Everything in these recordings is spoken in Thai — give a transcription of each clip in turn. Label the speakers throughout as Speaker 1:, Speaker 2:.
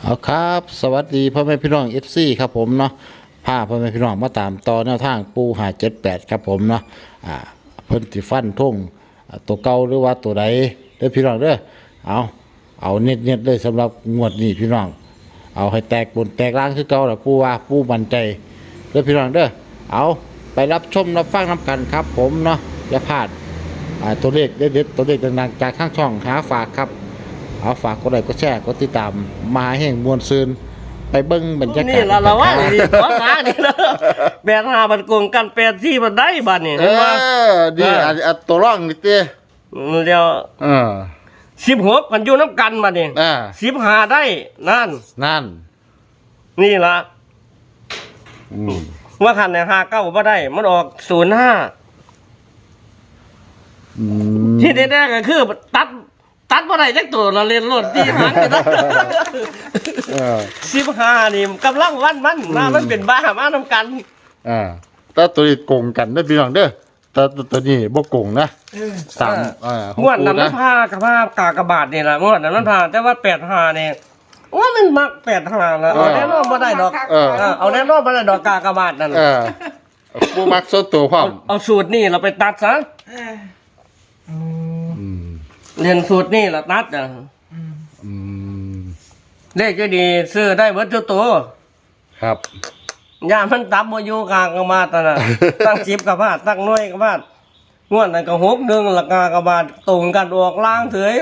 Speaker 1: เอาครับสวัสดีพ่อแม่พี่น้องเอฟซีครับผมเนาะพาพ่อแม่พี่น้องมาตามต่อแนวทางปู578ครับผมเนาะเพิ่นสิฟันทงตัวเก่าหรือว่าตัวใดเด้อพี่น้องเด้อเอาเน็ตเลยสำหรับงวดนี้พี่น้องเอาให้แตกบนแตกล่างคือเก่าล่ะปูว่าปูมั่นใจเด้อพี่น้องเด้อเอาไปรับชมรับฟังนำกันครับผมเนาะอย่าพลาดตัวเลขเด็ดๆตัวเลขดังๆจากข้างช่องหาฝากครับเอาฝากกดไลค์กดแชร์กดติดตามมาแห่งมวลซืนไปเบิ้งบรรยากาศ
Speaker 2: นี่เราว่านี่ขอหานี่นะแบกหาบันโกงกันแปดที่มันได้บัดนี่เห็นว่า
Speaker 1: ดีตัวร่องนี่เต้
Speaker 2: เดี๋ยว16กันอยู่น้ำกันบัดนี่15ได้นั่นนี่ล่ะว่าคันเนี่ย59บ่ได้มันออก05ที่แน่ๆก็คือตัดบ่ได้จักตัวเราเล่นรถที่หันกันนะ15นี่กำลังวันมันเป็นบ้ามานำกัน
Speaker 1: แต่ตัวนี้โกงกันได้พี่น้องเด้อแต่ตัวนี้บ่โกงนะ
Speaker 2: งวดนั้นมันพากากบาทนี่ล่ะงวดนั้นมันพาแต่ว่า85นี่ว่ามันมัก85แล้วเอาแน่นอนบ่ได้ดอกเอาแน่นอนบ่ได้ดอกกากบาทนั่น
Speaker 1: ผู้มักส่วนตัวพร้อม
Speaker 2: เอาสูตรนี่เราไปตัดซะเรียนสูตรนี่ละตัดเลขก็ดีซื้อได้เบิดทุกตัว
Speaker 1: ครับ
Speaker 2: ยามันตับบ่อยู่กลางกระบาดน่ะตั้ง10กระบาดตั้งหน่วยกระบาดงวดนั้นก็6นึงละกากระบาดตรงกันออกล่างเถย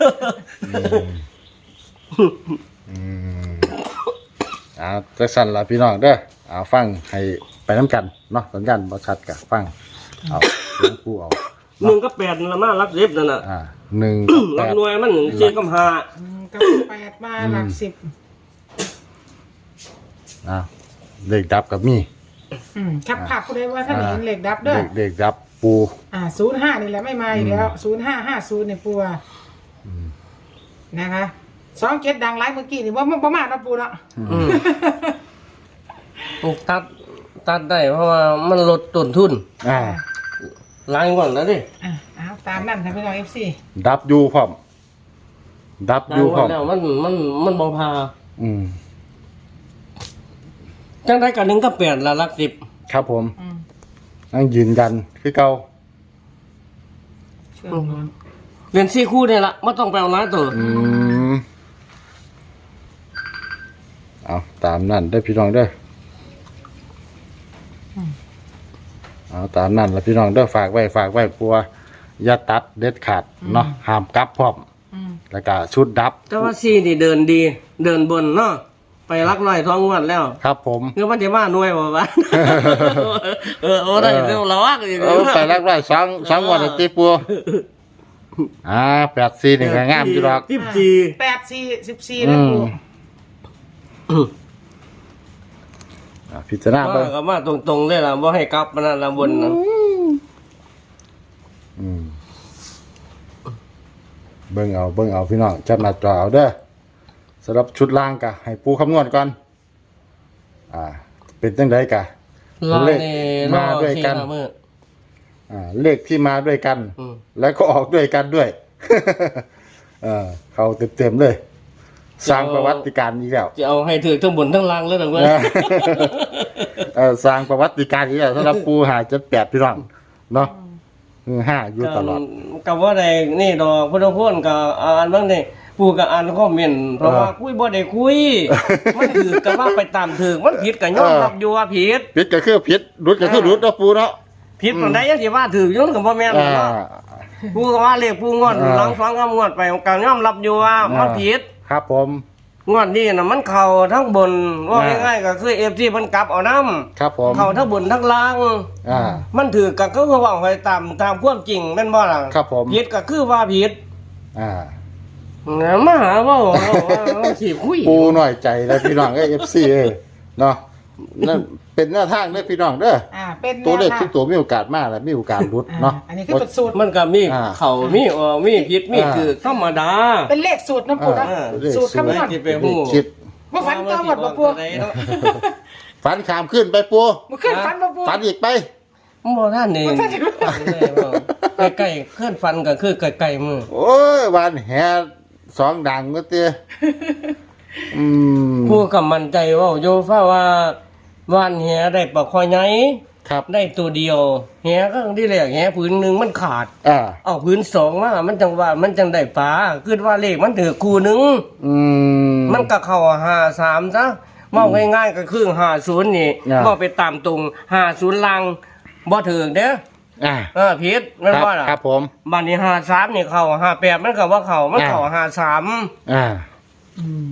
Speaker 1: จะสั่นละพี่น้องเด้อฟังให้ไปน้ำกันเนาะสัญญาณบ่ชัดกะฟังเอาหลวงปู่เอา
Speaker 2: 1กับ8ละมารับ10นั่นน่ะ
Speaker 1: 1
Speaker 2: รับหน่วยมัน4กับ5
Speaker 3: กับ8มาหลัก10
Speaker 1: เลขดับกับมี
Speaker 3: ครับผักก็ได้ว่าถ้าเห็นเลขดับเด้อ
Speaker 1: เลขดับปู
Speaker 3: 05นี่แหละไม่มาอีกแล้ว0550เนี่ยปูนะคะ27ดังไลฟ์เมื่อกี้นี่ว่าบ่มาเนาะปูเนาะ
Speaker 2: ตัดได้เพราะว่ามันลดต้นทุนล้างก่อนแล้วดิ
Speaker 3: ตามนั่นค่ะพี่น้อง FC
Speaker 1: ดับอยู่พร้อม
Speaker 2: แล้วมันบ่พาจังได้กัน1กับ8ละหลัก10
Speaker 1: ครับผมนั่งยืนยันคือเก่า
Speaker 2: เรียน4คู่นี่ล่ะบ่ต้องไปเอาหลายตัว
Speaker 1: เอาตามนั่นได้พี่น้องเด้อเอาตามนั่นแล้วพี่น้องเด้อฝากไว้ปัวอย่าตัดเด็ดขาดเนาะห้ามกลับพร้อมแล้วก็ชุดดับ
Speaker 2: แต่ว่าซี่นี่เดินดีเดินบนเนาะไปรักร้อยท้องงวดแล้ว
Speaker 1: ครับผม
Speaker 2: เงินมันจะมาหน่วยบ่วะโอ้ได้เดี๋ยวเราว่ากัน
Speaker 1: ไปรักร้อย2งวดติปัว84นี่ก็งามอยู่ดอก
Speaker 3: 14แล้วปู
Speaker 1: พิจารณาไป
Speaker 2: ก็มาตรงๆเลยล่ะบ่ให้กลับมันละบนนะ
Speaker 1: เบิ่งเอาพี่น้องจับหน้าจอเอาเด้อสำหรับชุดล่างกะให้ปูคำนวณก่อนเป็นจังไดกะ
Speaker 2: เลขมาด้วยกัน
Speaker 1: เลขที่มาด้วยกันแล้วก็ออกด้วยกันด้วยเขาเต็มเลยสร้างประวัติการอีกแล้ว
Speaker 2: จะเอาให้ถือทั้งบนทั้งล่างแล้วนะเว้ย
Speaker 1: สร้างประวัติการอีกแล้วสำหรับปู578พี่น้องเนาะ5อยู่ตลอด
Speaker 2: กับว่าใดนี่ดอกพุทธพจน์กับอ่านบ้างนี่ปูกับอ่านคอมเมนต์เพราะว่าคุยบ่ได้คุยมันถือกับว่าไปตามถือมันผิดกับยอมรับอยู่ว่าผิด
Speaker 1: ก็คือผิดรุดก็คือรุดเนาะปูเนาะ
Speaker 2: ผิดปานใดยังสิว่าถือย้อนกับบ่แม่นเนาะปูก็ว่าเลขปูงวดหลังฟังงวดไปก็ยอมรับอยู่ว่ามันผิด
Speaker 1: ครับผม
Speaker 2: งวดนี้น่ะมันเข้าทั้งบนว่าง่ายๆก็คือ FC เพิ่นกลับเอานำ
Speaker 1: ครับผม
Speaker 2: เข้าทั้งบนทั้งล่างมันถือก็คือว่าไปตามความจริงแม่นบ่ล่ะ
Speaker 1: ครับผม
Speaker 2: ผิดก็คือว่าผิดมาหาว่าสิคุย
Speaker 1: ปูหน่อยใจแล้วพี่น้องFC เนาะนั่นเป็นหน้าทางเด้อพี่น้องเด้อ
Speaker 3: เป็น
Speaker 1: ตัวเลขทุกตัวมีโอกาสมากและมีโอกาสรุดเนาะ
Speaker 3: อันนี้คือเป็นสูตร
Speaker 2: มันก็มีเข้ามีผิดมีคือธรรมดา
Speaker 3: เป็นเลขสูตรนะปู่นะสูตรคำนวณ
Speaker 2: ที่ไปฮู้
Speaker 1: คิด
Speaker 3: บ่ฝันต่อหมดบ่ปู่
Speaker 1: ฝันขามขึ้นไปปู่
Speaker 3: บ่ขึ้นฝันบ่ปู่
Speaker 1: ฝันอีกไป
Speaker 2: บ่ท่านนี่ใกล้ๆขึ้นฝันก็คือใกล้ๆมือ
Speaker 1: โอ้ยวันแห่2ดังก็เตี้ยอืม
Speaker 2: ผู้กำมั่นใจเว่าโยฟ้าว่าว่านแหได้ปลาคอยใหญ่
Speaker 1: ครับ
Speaker 2: ได้ตัวเดียวแหก็ที่แรกแหผืนหนึงมันขาด
Speaker 1: อ่า
Speaker 2: เอาผืนสองมามันจังว่ามันจังได้ปลาคือว่าเลขมันถือคู่หนึง
Speaker 1: อืม
Speaker 2: มันก็เข้า53ซะเว้าง่ายๆก็คือ50นี่
Speaker 1: อ่า
Speaker 2: บ่ไปตามตรง50ลังบ่ถึงเด้อ ผิดแม่นบ่ล่ะ
Speaker 1: ครับผม
Speaker 2: บัดนี้53นี่เข้า58มันก็ว่าเข้ามันเข้า53
Speaker 1: อ่า
Speaker 3: อืม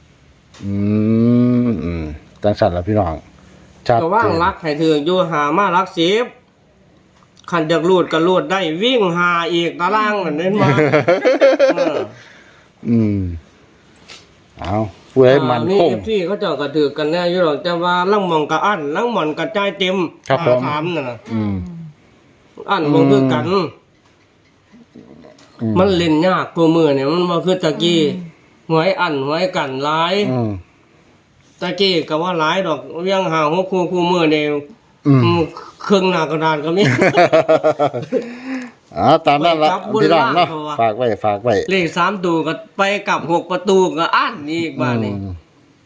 Speaker 1: อืมจังสันแล้วพี่น้องชัด
Speaker 2: ก็ว่างรักให้ถืออยู่หามารัก10คันอยากรูดก็รูดได้วิ่งหาอีกตารางนั่นเห็นบ่
Speaker 1: อืมเอาผู้ใดมัน
Speaker 2: นี่
Speaker 1: คง
Speaker 2: FC เขาเจ้าก็ถือกันแน่อยู่หรอกแต่ว่าลังหมองก็อั้นลังหมอนก็จ่ายเต็ม
Speaker 1: ครับผม
Speaker 2: 53นั่นน่ะ
Speaker 1: อืม
Speaker 2: อั้นบ่คือกัน มันเล่นยากกว่ามื้อเนี่ยมันบ่คือตะกี้หวยอั้นหวยกันหลาย
Speaker 1: อืม
Speaker 2: ตะกี้ก็ว่าหลายดอกเวียงหา6คู่มื้อนี่
Speaker 1: อืม
Speaker 2: ครึ่งหน้ากระดานก็มี
Speaker 1: ตามนั้นละ
Speaker 2: ไปกลับบน
Speaker 1: พี่น้องเนาะ
Speaker 2: ล่างเขาว่า
Speaker 1: ฝากไว้
Speaker 2: เลข3ตัวก็ไปกับ6ประตูก็อั้นอีกบ้านนี่
Speaker 1: อืม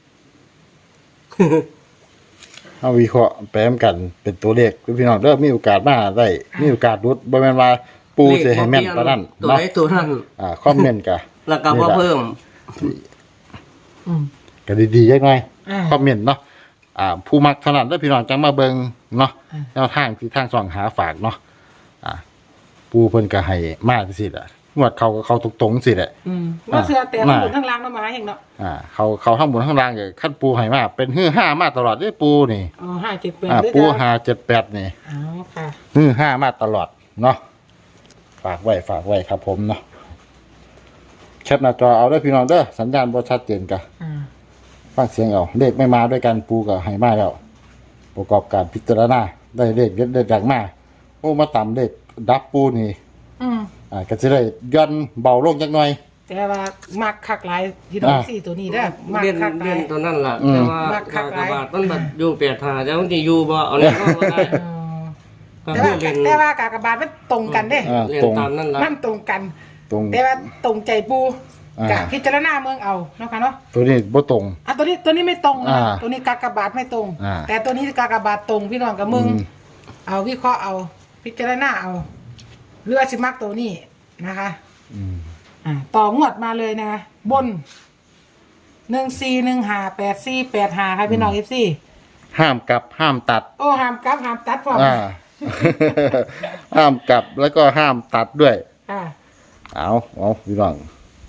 Speaker 1: เอาวิเคราะห์แปมกันเป็นตัวเลขพี่น้องเด้อมีโอกาสมาได้มีโอกาสรุดบ่แม่นว่าปูสิให้แม่นปานนั้น
Speaker 2: ตัว
Speaker 1: เนาะ
Speaker 2: ไหนตัวนั้น
Speaker 1: คอมเมนต์กะ
Speaker 2: แล้วก็บ่เพิ่ม
Speaker 3: อืม
Speaker 1: ก็ดีๆจักหน่อย
Speaker 3: อ่า
Speaker 1: คอมเมนต์เนาะผู้มักเท่านั้นเด้อพี่น้องจังมาเบิ่งเนาะ
Speaker 3: อ่า
Speaker 1: แนวทางที่ทางส่องหาฝากเนาะปูเพิ่นก็ให้มาจังซี่แหละงวดเขาก็เข้าตรงๆสิแหละ
Speaker 3: อืมว่าเสือแต่ทั้งบนทั้งล่างน้ำมาเองเนาะ
Speaker 1: เขาทั้งบนทั้งล่างก็ขั้นปูให้มาเป็นฮือห้ามาตลอดเด้อปูนี่
Speaker 3: อ๋อ5 7 8
Speaker 1: ปู578นี่
Speaker 3: อ๋อค่ะ
Speaker 1: ฮือห้ามาตลอดเนาะฝากไว้ครับผมเนาะแคปหน้าจอเอาเด้อพี่น้องเด้อสัญญาณบ่ชัดเจนกะ
Speaker 3: อ่า
Speaker 1: ฟังเสียงเอาเลขไม่มาด้วยกันปูก็ให้มาแล้วประกอบการพิจารณาได้เลขเด็ดๆอย่างมาโอ้มาต่ำเลขดับปูนี่
Speaker 3: อืม
Speaker 1: ก็จะได้ย่อนเบาลงจักหน่อย
Speaker 3: แต่ว่ามักคักหลายพี่น้องสี่ตัวนี้เด้อมัก
Speaker 2: เล่น
Speaker 3: คักหลา
Speaker 2: เล่
Speaker 3: ย
Speaker 2: นตัวนั้นล่ะ
Speaker 1: อืม
Speaker 2: แต่ว่า
Speaker 3: บักคั
Speaker 2: กาก ก
Speaker 3: หลาย
Speaker 2: บาทมันบัดอยู่8-5แต่บางทีอยู่บ่เอาแล้วก็บ่ได้
Speaker 3: อ๋อ
Speaker 2: ก็
Speaker 3: แต่
Speaker 2: คื
Speaker 3: ว่า
Speaker 2: อเล่น
Speaker 3: แต่ว่ากากบาทมันตรงกันเด้
Speaker 1: อ่า
Speaker 2: เล่น
Speaker 1: ตรง
Speaker 2: ตามนั้นล่ะ
Speaker 3: มันตรงกัน
Speaker 1: ตรง
Speaker 3: แต่ว่าตรงใจปู
Speaker 1: อ่า
Speaker 3: กะพิจารณาเมืองเอาเนาะค่ะเนาะ
Speaker 1: ตัวนี้บ่ตรง
Speaker 3: ตัวนี้ไม่ตรงนะ
Speaker 1: อ่า
Speaker 3: ตัวนี้กากบาทไม่ตรง
Speaker 1: อ่า
Speaker 3: แต่ตัวนี้กากบาทตรงพี่น้องกับมึง
Speaker 1: อืม
Speaker 3: เอาวิเคราะห์เอา พิจารณาเอาเรือสิมักตัวนี้นะคะ
Speaker 1: อืม
Speaker 3: ต่องวดมาเลยนะคะบน14158485ค่ะพี่น้องFC
Speaker 1: ห้ามกลับห้ามตัด
Speaker 3: โอ้ห้ามกลับห้ามตัดพร้อม
Speaker 1: ห้ามกลับแล้วก็ห้ามตัดด้วย
Speaker 3: อ่า
Speaker 1: เอาพี่น้อง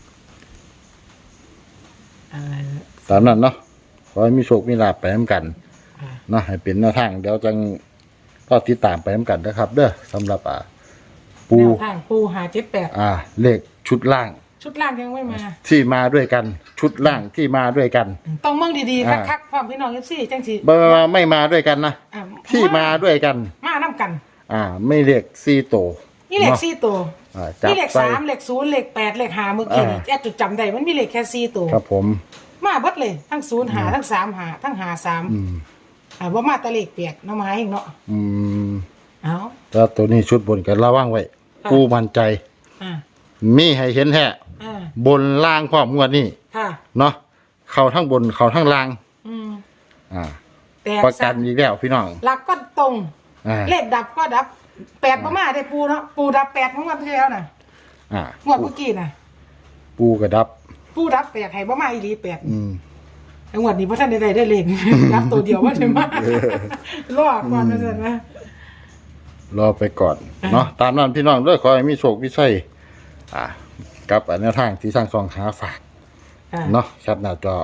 Speaker 3: อะไร
Speaker 1: ตามนั้นเนาะขอให้มีโชคมีลาภไปน้ำกัน
Speaker 3: อ่า
Speaker 1: เนาะให้เป็นแนวทางเดี๋ยวจังก็ติดตามไปน้ำกันนะครับ เด้อสำหรับปู
Speaker 3: แนวทางปู578
Speaker 1: เลขชุดล่าง
Speaker 3: ชุดล่างยังไม่มา
Speaker 1: ที่มาด้วยกัน ชุดล่างที่มาด้วยกัน
Speaker 3: ต้องเมืองดีๆ
Speaker 1: อ่า
Speaker 3: คักๆพร้อมพี่น้องFC จังสิ
Speaker 1: ไม่มาด้วยกันนะ
Speaker 3: อ่า
Speaker 1: ที่มาด้วยกัน
Speaker 3: มานํกัน
Speaker 1: ไม่เลข4โตว
Speaker 3: นี่เลข
Speaker 1: นาะ
Speaker 3: 4ตัว
Speaker 1: จับ
Speaker 3: นี่เลข
Speaker 1: ใส่
Speaker 3: 3เลข0เลข8เลข5เมื่อกี้นี่แอดจุดจำได้มันมีเลขแค่4ตัว
Speaker 1: ครับผม
Speaker 3: มาเบิดเลยทั้ง0หาทั้ง3หาทั้งหา3บ่มาแตะเลขเปียกเนาะมาเองเนาะ
Speaker 1: อืม
Speaker 3: เอา
Speaker 1: แล้วตัวนี้ชุดบนกันระว่างไว้
Speaker 3: ค่ะ
Speaker 1: ปูมั่นใจ
Speaker 3: อ่า
Speaker 1: มีให้เห็นแท้
Speaker 3: อ่า
Speaker 1: บนล่างพร้อมงวดนี้
Speaker 3: ค่ะ
Speaker 1: เนาะเข้าทั้งบนเข้าทั้งล่าง
Speaker 3: อืม
Speaker 1: อ่า
Speaker 3: แตก
Speaker 1: ประ
Speaker 3: ซะ
Speaker 1: กันอีกแล้วพี่น้อง
Speaker 3: หลักก็ตรง
Speaker 1: อ่า
Speaker 3: เลขดับก็ดับ8บ่มาได้ปูเนาะปูดับ8ของวันที่แล้วน่ะ
Speaker 1: อ่าง
Speaker 3: วดเมื่อกี้น่ะ
Speaker 1: ปูกระดับ
Speaker 3: ปูดับ8ให้บ่มาอีหลี8
Speaker 1: อืม
Speaker 3: ไอ้งวดนี้บ่ทันได้เลข ดับตัวเดียวว่าได้มารอก่อนว่าซั่นนะ
Speaker 1: รอไปก่อน เนาะตามนั้นพี่น้องด้วยขอให้มีโชคมีชัยกับแนวทางที่สร้างซองหาฝาก
Speaker 3: อ่า
Speaker 1: เนาะแคปหน้าจอ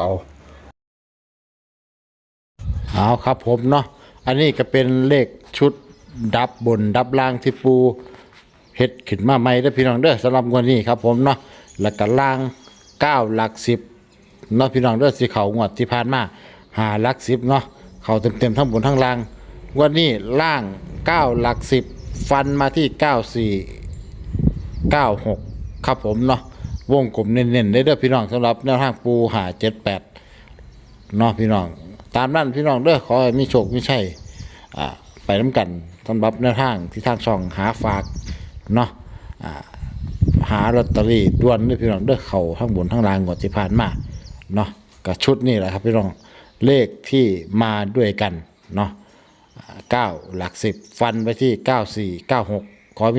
Speaker 1: เอาครับผมเนาะอันนี้ก็เป็นเลขชุดดับบนดับล่างที่ปูเฮ็ดขึ้นมาใหม่เด้อพี่น้องเด้อสำหรับงวันนี้ครับผมเนาะแล้วก็ล่าง9หลัก10เนาะพี่น้องเด้อสิเขางวดที่ผ่านมา5หลัก10เนาะเขาเต็มๆทั้งบนทั้งล่างงวันนี้ล่าง9หลัก10ฟันมาที่94 96ครับผมเนาะวงกลมเน้นๆได้เด้อพี่น้องสำหรับแนวทางปู578เนาะพี่น้องตามนั้นพี่น้องเด้อขอให้มีโชคมีชัยไปน้ำกันสำหรับแนวทางที่ทางช่องหาฝากเนาะหาลอตเตอรี่ด่วนเด้อพี่น้องเด้อเขาทั้งบนทั้งล่างก่อนสิผ่านมาเนาะกับชุดนี่แหละครับพี่น้องเลขที่มาด้วยกันเนาะ9หลัก10ฟันไปที่94 96